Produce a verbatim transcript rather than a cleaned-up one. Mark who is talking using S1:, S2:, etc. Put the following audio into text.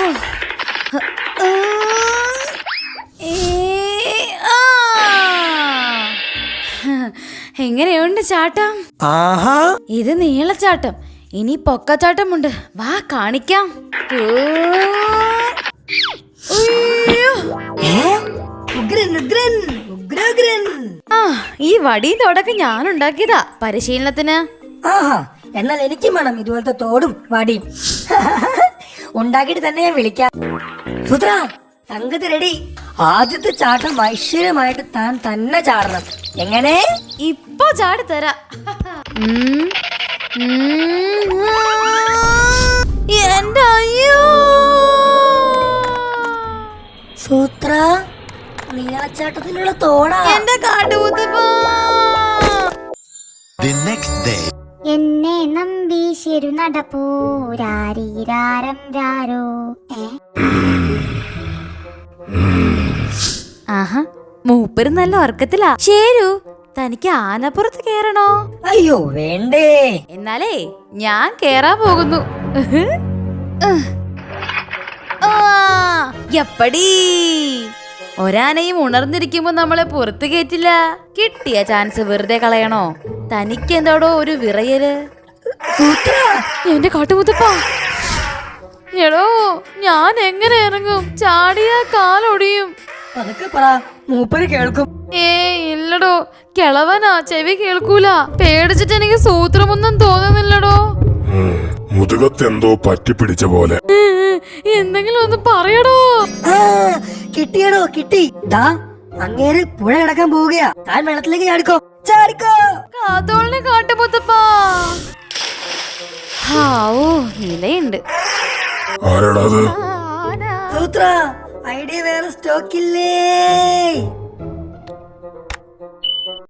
S1: എങ്ങനെയുണ്ട് ചാട്ടം?
S2: ആഹാ,
S1: ഇത് നീളച്ചാട്ടം. ഇനി പൊക്കച്ചാട്ടമുണ്ട്. വാ കാണിക്കാം. ആ, ഈ വടിയും തോടൊക്കെ ഞാൻ ഉണ്ടാക്കിയതാ പരിശീലനത്തിന്.
S3: ആഹാ, എന്നാൽ എനിക്കും വേണം ഇതുപോലത്തെ തോടും വടിയും. ഉണ്ടാക്കിയിട്ട് തന്നെ ഞാൻ വിളിക്കാം. സുത്ര, സംഗതി റെഡി. ആദ്യത്തെ ചാട്ടം ഐശ്വര്യമായിട്ട് താൻ തന്നെ ചാടണം. എങ്ങനെ?
S1: ഇപ്പൊ ചാടി തരാ. എന്റെ അയ്യോ
S3: സൂത്ര, നീളച്ചാട്ടത്തിനുള്ള തോടാ.
S1: എന്റെ കാട്ടുമുത്തപ്പാ.
S4: എന്നെ നമ്പി ശരു നടപ്പൂരാരീരാരം രാരോ.
S1: ആഹാ, മൂപ്പര് നല്ല ഉറക്കത്തിലാ. ശരു, തനിക്ക് ആനപ്പുറത്ത് കേറണോ?
S3: അയ്യോ വേണ്ടേ.
S1: എന്നാലേ ഞാൻ കേറാൻ പോകുന്നു. എപ്പടി ഒരാനയും ഉണർന്നിരിക്കുമ്പോ നമ്മളെ പുറത്തു കേറ്റില്ല. കിട്ടിയ ചാൻസ് വെറുതെ കളയണോ? തനിക്ക് എന്താടോ ഒരു വിറയല്? എന്റെ കാട്ടുമുത്തപ്പാ, എടോ ഞാൻ എങ്ങനെ ഇറങ്ങും? ചാടിയ കാലൊടിയും.
S3: അതൊക്കെ പറ, മൂപ്പര് കേൾക്കും.
S1: ഏ ഇല്ലടോ, കിളവനാ, ചെവി കേൾക്കൂല. പേടിച്ചിട്ട് എനിക്ക് സൂത്രമൊന്നും തോന്നുന്നില്ലടോ.
S5: മുതുകത്തെന്തോ പറ്റിപ്പിടിച്ച പോലെ.
S1: എന്തെങ്കിലും ഒന്ന് പറയടോ.
S3: കിട്ടിയടോ, കിട്ടി. ദാ അങ്ങേര് പുഴ കിടക്കാൻ പോവുകയാ. താൻ വെള്ളത്തിലേക്ക് ചാടിക്കോ, ചാടിക്കോ.
S1: കാത്തോളിനെ കാട്ടുമുത്തപ്പാ. ഹാവൂ, ഇലയുണ്ട്.
S5: ആരാടാ അത്?
S3: സൂത്ര, ഐഡിയ വേറെ സ്റ്റോക്കില്ലേ?